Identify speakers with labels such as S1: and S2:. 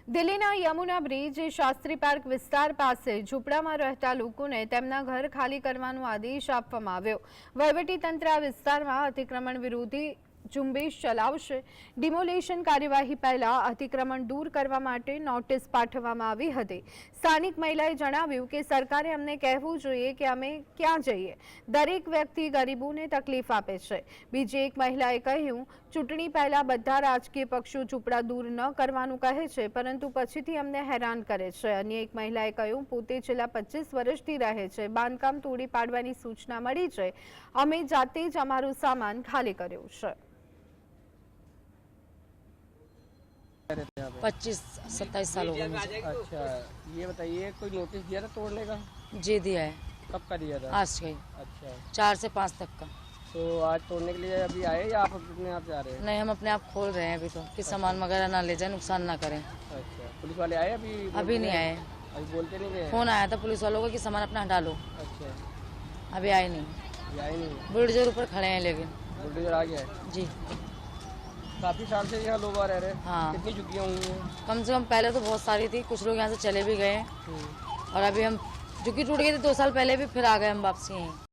S1: દિલ્હીના Yamuna bridge Shastri park વિસ્તાર પાસે ઝૂંપડામાં રહેતા લોકોને તેમના ઘર ખાલી કરવાનો આદેશ આપવામાં આવ્યો। વહીવટીતંત્ર આ વિસ્તારમાં અતિક્રમણ વિરોધી ઝુંબેશ ચલાવશે। ડિમોલેશન કાર્યવાહી પહેલા અતિક્રમણ દૂર કરવા માટે નોટિસ પાઠવવામાં આવી હતી। સ્થાનિક મહિલાએ જણાવ્યું કે સરકારે અમને કહેવું જોઈએ કે અમે ક્યાં જઈએ। દરેક વ્યક્તિ ગરીબોને તકલીફ આપે છે। બીજી એક મહિલાએ કહ્યું, ચૂંટણી પહેલા બધા રાજકીય પક્ષો ઝૂંપડા દૂર ન કરવાનું કહે છે, પરંતુ પછીથી અમને હેરાન કરે છે। અન્ય એક મહિલાએ કહ્યું, પોતે છેલ્લા 25 વર્ષથી રહે છે। બાંધકામ તોડી પાડવાની સૂચના મળી છે। અમે જાતે જ અમારો સામાન ખાલી કર્યો છે।
S2: 25-27 साल हो गए मुझे।
S3: अच्छा, ये बताइए कोई नोटिस दिया था तोड़ने का?
S2: जी दिया है,
S3: कब का दिया था?
S2: आज का ही,
S3: अच्छा,
S2: 4 से 5 तक का।
S3: तो आज तोड़ने के लिए अभी आए या आप अपने आप जा रहे हैं?
S2: नहीं, हम अपने आप खोल रहे हैं अभी तो, कि सामान वगैरह ना ले जाए, नुकसान ना करें।
S3: अच्छा, पुलिस वाले आए अभी?
S2: अभी नहीं आए।
S3: अभी बोलते नहीं गए?
S2: फोन आया था पुलिस वालों का कि सामान अपना हटा लो,
S3: अच्छा,
S2: अभी आए नहीं।
S3: ये आए नहीं?
S2: बुलडोजर ऊपर खड़े हैं लेकिन।
S3: बुलडोजर आ गया है?
S2: जी
S3: काफी साल से यहाँ लोग आ रह रहे हैं?
S2: हाँ।
S3: कितनी झुग्गियाँ हुई हैं?
S2: कम से कम पहले तो बहुत सारी थी, कुछ लोग यहाँ से चले भी गए, और अभी हम झुग्गी टूट गई थी 2 साल पहले भी, फिर आ गए हम वापसी यहीं।